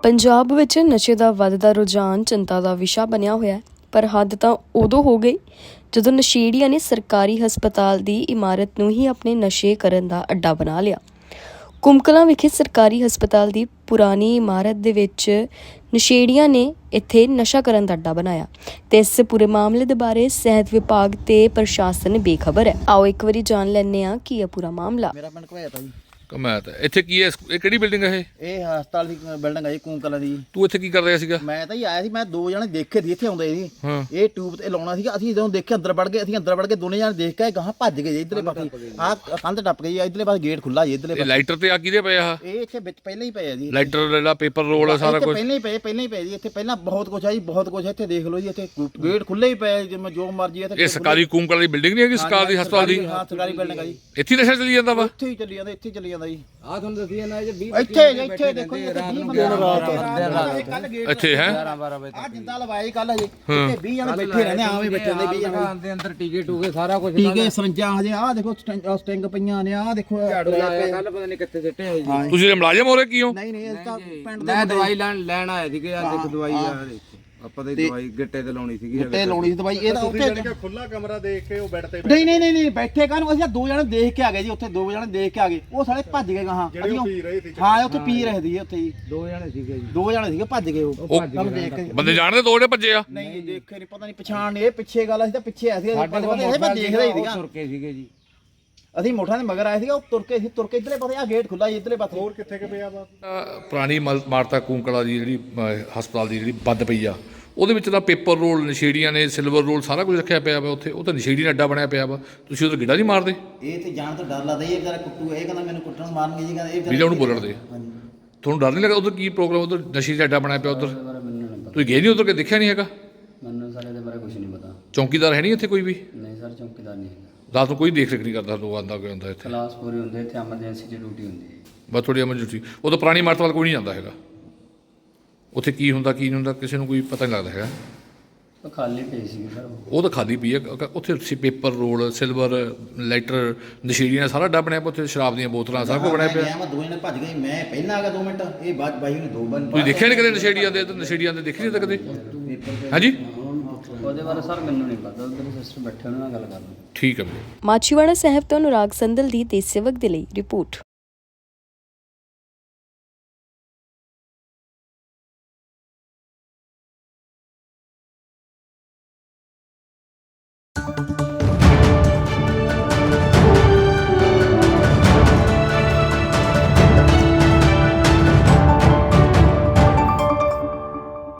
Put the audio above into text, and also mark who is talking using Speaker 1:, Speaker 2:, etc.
Speaker 1: ਪੰਜਾਬ ਵਿੱਚ ਨਸ਼ੇ ਦਾ ਵੱਧਦਾ ਰੁਝਾਨ ਚਿੰਤਾ ਦਾ ਵਿਸ਼ਾ ਬਣਿਆ ਹੋਇਆ ਹੈ, ਪਰ ਹੱਦ ਤਾਂ ਉਦੋਂ ਹੋ ਗਈ ਜਦੋਂ ਨਸ਼ੇੜੀਆਂ ਨੇ ਸਰਕਾਰੀ ਹਸਪਤਾਲ ਦੀ ਇਮਾਰਤ ਨੂੰ ਹੀ ਆਪਣੇ ਨਸ਼ੇ ਕਰਨ ਦਾ ਅੱਡਾ ਬਣਾ ਲਿਆ। ਕੁੰਮਕਲਾਂ ਵਿਖੇ ਸਰਕਾਰੀ ਹਸਪਤਾਲ ਦੀ ਪੁਰਾਣੀ ਇਮਾਰਤ ਦੇ ਵਿੱਚ ਨਸ਼ੇੜੀਆਂ ਨੇ ਇੱਥੇ ਨਸ਼ਾ ਕਰਨ ਦਾ ਅੱਡਾ ਬਣਾਇਆ ਤੇ ਇਸ ਪੂਰੇ ਮਾਮਲੇ ਦੇ ਬਾਰੇ ਸਿਹਤ ਵਿਭਾਗ ਤੇ ਪ੍ਰਸ਼ਾਸਨ ਬੇਖਬਰ ਹੈ। ਆਓ ਇੱਕ ਵਾਰੀ ਜਾਣ ਲੈਂਦੇ ਹਾਂ ਕੀ ਹੈ ਪੂਰਾ ਮਾਮਲਾ।
Speaker 2: ਮੇਰਾ ਪਿੰਡ ਘਵਾਇਆ ਜੀ।
Speaker 3: ਕਮਾਤ ਇੱਥੇ ਕੀ ਹੈ? ਇਹ ਕਿਹੜੀ ਬਿਲਡਿੰਗ ਹੈ?
Speaker 2: ਇਹ ਹਸਪਤਾਲ ਦੀ ਬਿਲਡਿੰਗ ਹੈ ਜੀ, ਕੁੰਮਕਲਾਂ ਦੀ।
Speaker 3: ਤੂੰ ਇੱਥੇ ਕੀ ਕਰ ਰਿਹਾ ਸੀਗਾ?
Speaker 2: ਮੈਂ ਤਾਂ ਜੀ ਆਇਆ ਸੀ, ਮੈਂ ਦੋ ਜਣੇ ਦੇਖੇ ਸੀ ਇੱਥੇ ਆਉਂਦੇ ਸੀ।
Speaker 3: ਹਾਂ।
Speaker 2: ਇਹ ਟਿਊਬ ਤੇ ਲਾਉਣਾ ਸੀਗਾ, ਅਸੀਂ ਜਦੋਂ ਦੇਖਿਆ ਅੰਦਰ ਵੜ ਗਏ। ਅਸੀਂ ਅੰਦਰ ਵੜ ਕੇ ਦੋਨੇ ਜਣੇ ਦੇਖ ਕੇ ਗਾਹਾਂ ਭੱਜ ਗਏ ਜੀ ਇਧਰਲੇ ਪਾਸੇ। ਆਹ ਕੰਧ ਟੱਪ ਗਈ, ਇਧਰਲੇ ਪਾਸੇ ਗੇਟ ਖੁੱਲਾ ਜੀ ਇਧਰਲੇ
Speaker 3: ਇਹ
Speaker 2: ਪਾਸੇ।
Speaker 3: ਲਾਈਟਰ ਤੇ ਆ ਕਿਹਦੇ ਪਏ ਆ?
Speaker 2: ਇਹ ਇੱਥੇ ਵਿੱਚ ਪਹਿਲਾਂ ਹੀ ਪਏ ਆ ਜੀ।
Speaker 3: ਲਾਈਟਰ ਜਿਹੜਾ ਪੇਪਰ ਰੋਲ ਆ ਸਾਰਾ ਕੁਝ
Speaker 2: ਪਹਿਲਾਂ ਹੀ ਪਏ ਜੀ। ਇੱਥੇ ਪਹਿਲਾਂ ਬਹੁਤ ਕੁਝ ਆ ਜੀ, ਬਹੁਤ ਕੁਝ ਇੱਥੇ ਦੇਖ ਲਓ ਜੀ। ਇੱਥੇ ਗੇਟ ਖੁੱਲੇ ਹੀ ਪਏ, ਜਿਵੇਂ ਜੋ ਮਰਜ਼ੀ ਇੱਥੇ।
Speaker 3: ਇਹ ਸਰਕਾਰੀ ਕੁੰਮਕਲਾਂ ਦੀ ਬਿਲਡਿੰਗ ਨਹੀਂ ਹੈਗੀ? ਸਰਕਾਰੀ ਹਸਪਤਾਲ ਦੀ?
Speaker 2: ਹਾਂ, ਸਰਕਾਰੀ ਬਿਲਡਿੰਗ ਆ ਜੀ।
Speaker 3: ਇੱਥੇ ਨਸ਼ਾ ਚੱਲੀ ਜਾਂਦਾ ਵਾ?
Speaker 2: ਇੱਥੇ ਹੀ ਚੱਲੀ ਜਾਂਦਾ, ਇੱਥੇ ਹੀ ਚੱਲੀ ਜਾਂਦਾ ਜੀ।
Speaker 4: ਆ ਤੁਹਾਨੂੰ ਦੱਸੀ ਨਾ ਜੀ, 20
Speaker 2: ਇੱਥੇ ਦੇਖੋ ਜੀ, ਇੱਥੇ 20 ਬੰਦੇ ਕੱਲ ਗੇਟ
Speaker 3: ਇੱਥੇ ਹੈ
Speaker 4: 12 ਵਜੇ
Speaker 2: ਆ ਜਿੰਦਾ ਲਵਾਇਆ ਕੱਲ ਹਜੇ। ਇੱਥੇ 20 ਜਣੇ ਬੈਠੇ ਰਹਿੰਦੇ, ਆਵੇਂ ਬੈਠੇ ਰਹਿੰਦੇ 20 ਜਣੇ
Speaker 4: ਦੇ ਅੰਦਰ ਟੀਕੇ ਟੂਕੇ ਸਾਰਾ ਕੁਝ।
Speaker 2: ਟੀਕੇ ਸਰੰਜਾਂ ਹਜੇ ਆਹ ਦੇਖੋ, ਸਟਿੰਗ ਪਈਆਂ ਨੇ। ਆਹ ਦੇਖੋ
Speaker 4: ਝਾੜੂ ਲਾਇਆ ਕੱਲ, ਪਤਾ ਨਹੀਂ ਕਿੱਥੇ ਸਿੱਟੇ ਹੋਏ ਜੀ।
Speaker 3: ਤੁਸੀਂ ਮੁਲਾਜ਼ਮ ਹੋ ਰਹੇ ਕੀ ਹੋ?
Speaker 2: ਨਹੀਂ ਅਸੀਂ ਤਾਂ ਪਿੰਡ ਦੇ
Speaker 4: ਮੈਂ ਦਵਾਈ ਲੈਣ ਆਇਆ ਸੀ ਕਿ ਆ ਦੇਖ ਦਵਾਈ ਆ ਦੇਖ। ਆਪਾਂ ਤੇ ਦਵਾਈ ਗਿੱਟੇ ਤੇ ਲਾਉਣੀ ਸੀਗੀ।
Speaker 2: ਤੇ ਲਾਉਣੀ ਸੀ ਦਵਾਈ। ਇਹ ਤਾਂ ਉੱਥੇ
Speaker 5: ਖੁੱਲਾ ਕਮਰਾ ਦੇਖ ਕੇ ਉਹ ਬੈੱਡ ਤੇ
Speaker 2: ਨਹੀਂ ਬੈਠੇ ਕਾਹਨੂੰ? ਅਸੀਂ ਤਾਂ ਦੋ ਜਣੇ ਦੇਖ ਕੇ ਆ ਗਏ ਜੀ। ਉੱਥੇ ਦੋ ਜਣੇ ਦੇਖ ਕੇ ਆ ਗਏ, ਉਹ ਸਾਲੇ ਭੱਜ ਗਏ ਗਾਹਾਂ।
Speaker 5: ਜਿਹੜੇ ਪੀ ਰਹੇ ਸੀ।
Speaker 2: ਹਾਂ, ਉੱਥੇ ਪੀ ਰਹੇ ਸੀ ਉੱਥੇ ਜੀ।
Speaker 4: ਦੋ ਜਣੇ ਸੀਗੇ ਜੀ।
Speaker 2: ਦੋ ਜਣੇ ਸੀਗੇ, ਭੱਜ ਗਏ ਉਹ। ਕੱਲ ਦੇਖ ਕੇ
Speaker 3: ਬੰਦੇ ਜਾਣਦੇ ਦੋ ਜਿਹੜੇ ਭੱਜੇ ਆ?
Speaker 2: ਨਹੀਂ ਦੇਖੇ ਨਹੀਂ, ਪਤਾ ਨਹੀਂ ਪਛਾਣ ਨਹੀਂ। ਇਹ ਪਿੱਛੇ ਗੱਲ, ਅਸੀਂ ਤਾਂ ਪਿੱਛੇ ਆਏ ਸੀ।
Speaker 4: ਸਾਡੇ ਕੋਲ
Speaker 2: ਮੈਂ ਦੇਖਦਾ ਹੀ ਸੀਗਾ।
Speaker 4: ਤੁਰ ਕੇ ਸੀਗੇ ਜੀ।
Speaker 2: ਅਸੀਂ ਮੋਠਾਂ ਦੇ ਮਗਰ ਆਏ ਸੀਗਾ, ਉਹ ਤੁਰ ਕੇ ਇਧਰਲੇ ਪਾਸੇ। ਆ ਗੇਟ ਖੁੱਲਾ ਜੀ ਇਧਰਲੇ ਪਾਸੇ।
Speaker 5: ਹੋਰ ਕਿੱਥੇ ਕਿ ਪਿਆ ਵਾ?
Speaker 3: ਪੁਰਾਣੀ ਮਾਰਤਾ ਕੁੰਮਕਲਾਂ ਦੀ ਜਿਹੜੀ ਹਸਪਤਾਲ ਦੀ ਜਿਹੜੀ ਬੰਦ ਪਈ ਆ, ਉਹਦੇ ਵਿੱਚ ਤਾਂ ਪੇਪਰ ਰੋਲ ਨਸ਼ੇੜੀਆਂ ਨੇ, ਸਿਲਵਰ ਰੋਲ ਸਾਰਾ ਕੁਝ ਰੱਖਿਆ ਪਿਆ ਵਾ ਉੱਥੇ। ਉਹ ਤਾਂ ਨਸ਼ੇੜੀ ਦਾ ਅੱਡਾ ਬਣਿਆ ਪਿਆ ਵਾ। ਤੁਸੀਂ ਉਧਰ ਗਿੱਡਾ ਨਹੀਂ ਮਾਰਦੇ?
Speaker 2: ਇਹ ਤੇ ਜਾਣ ਤੋਂ ਡਰ ਲੱਗਦਾ ਜੀ। ਇਹ ਵਿਚਾਰਾ ਕੁੱਟੂ, ਇਹ ਕਹਿੰਦਾ ਮੈਨੂੰ ਕੁੱਟਣ ਮਾਰਨਗੇ ਜੀ। ਕਹਿੰਦਾ ਇਹ
Speaker 3: ਵੀਰੇ ਉਹਨੂੰ ਬੋਲਣ ਦੇ।
Speaker 2: ਹਾਂਜੀ।
Speaker 3: ਤੁਹਾਨੂੰ ਡਰ ਨਹੀਂ ਲੱਗਦਾ? ਉਧਰ ਕੀ ਪ੍ਰੋਗਰਾਮ? ਉਧਰ ਨਸ਼ੇ ਦਾ ਅੱਡਾ ਬਣਿਆ ਪਿਆ ਉਧਰ। ਤੁਸੀਂ ਗਏ ਨਹੀਂ ਉਧਰ? ਕਿ ਦੇਖਿਆ ਨਹੀਂ ਹੈਗਾ?
Speaker 6: ਮੈਨੂੰ ਸਰ ਇਹਦੇ ਬਾਰੇ ਕੁਝ ਨਹੀਂ ਪਤਾ।
Speaker 3: ਚੌਕੀਦਾਰ ਹੈ ਨਹੀਂ ਇੱਥੇ ਕੋਈ ਵੀ?
Speaker 6: ਨਹੀਂ ਸਰ, ਚੌਕੀਦਾਰ ਨਹੀਂ ਹੈਗਾ।
Speaker 3: ਰਾਤ ਨੂੰ ਕੋਈ ਦੇਖ ਰੇਖ ਨਹੀਂ ਕਰਦਾ? ਲੋਕ ਆਉਂਦਾ ਕੋਈ ਹੁੰਦਾ ਇੱਥੇ?
Speaker 6: ਕਲਾਸ ਪੂਰੀ ਹੁੰਦੀ ਇੱਥੇ, ਐਮਰਜੈਂਸੀ ਦੀ ਡਿਊਟੀ ਹੁੰਦੀ ਹੈ।
Speaker 3: ਬਸ ਥੋੜੀ ਐਮਰਜੈਂਸੀ। ਉਹ ਤਾਂ ਪੁਰਾਣੀ ਇਮਾਰਤ ਵੱਲ ਕੋਈ ਨਹੀਂ ਜਾਂਦਾ ਹੈਗਾ। ਉੱਥੇ ਕੀ ਹੁੰਦਾ ਕੀ ਨਹੀਂ ਹੁੰਦਾ ਕਿਸੇ ਨੂੰ ਕੋਈ ਪਤਾ ਨਹੀਂ ਲੱਗਦਾ ਹੈਗਾ।
Speaker 6: ਉਹ ਖਾਲੀ ਪਈ ਸੀ ਸਰ।
Speaker 3: ਉਹ ਤਾਂ ਖਾਲੀ ਪਈ ਹੈ ਉੱਥੇ। ਪੇਪਰ ਰੋਲ, ਸਿਲਵਰ, ਲਾਈਟਰ, ਨਸ਼ੇੜੀਆਂ ਸਾਰਾ ਅੱਡਾ ਬਣਿਆ ਪਿਆ ਉੱਥੇ। ਸ਼ਰਾਬ ਦੀਆਂ ਬੋਤਲਾਂ ਸਾਰਾ ਕੁਝ ਬਣਿਆ ਪਿਆ।
Speaker 2: ਮੈਂ ਦੋ ਜਣੇ ਭੱਜ ਗਏ, ਮੈਂ ਪਹਿਲਾਂ ਆ ਗਿਆ 2 ਮਿੰਟ। ਇਹ ਬਾਅਦ ਬਾਈ ਨੇ 2 ਬੰਦ।
Speaker 3: ਤੁਸੀਂ ਦੇਖਿਆ ਨਹੀਂ ਕਦੇ ਨਸ਼ੇੜੀਆਂ ਦੇ? ਨਸ਼ੇੜੀਆਂ ਦੇ ਦੇਖੀ ਨਹੀਂ ਤਾਂ ਕਦੇ? ਹਾਂਜੀ,
Speaker 6: ਉਹਦੇ ਬਾਰੇ ਸਰ ਮੈਨੂੰ ਨਹੀਂ ਪਤਾ। ਉਧਰ ਸਿਸਟਰ ਬੈਠੇ, ਉਹਨਾਂ ਨਾਲ ਗੱਲ ਕਰ ਲਓ।
Speaker 3: ਠੀਕ ਹੈ ਵੀਰੇ।
Speaker 1: ਮਾਛੀਵਾੜਾ ਸਾਹਿਬ ਤੋਂ ਅਨੁਰਾਗ ਸੰਦਲ ਦੀ ਦੇਸ਼ ਸੇਵਕ ਦੇ ਲਈ ਰਿਪੋਰਟ।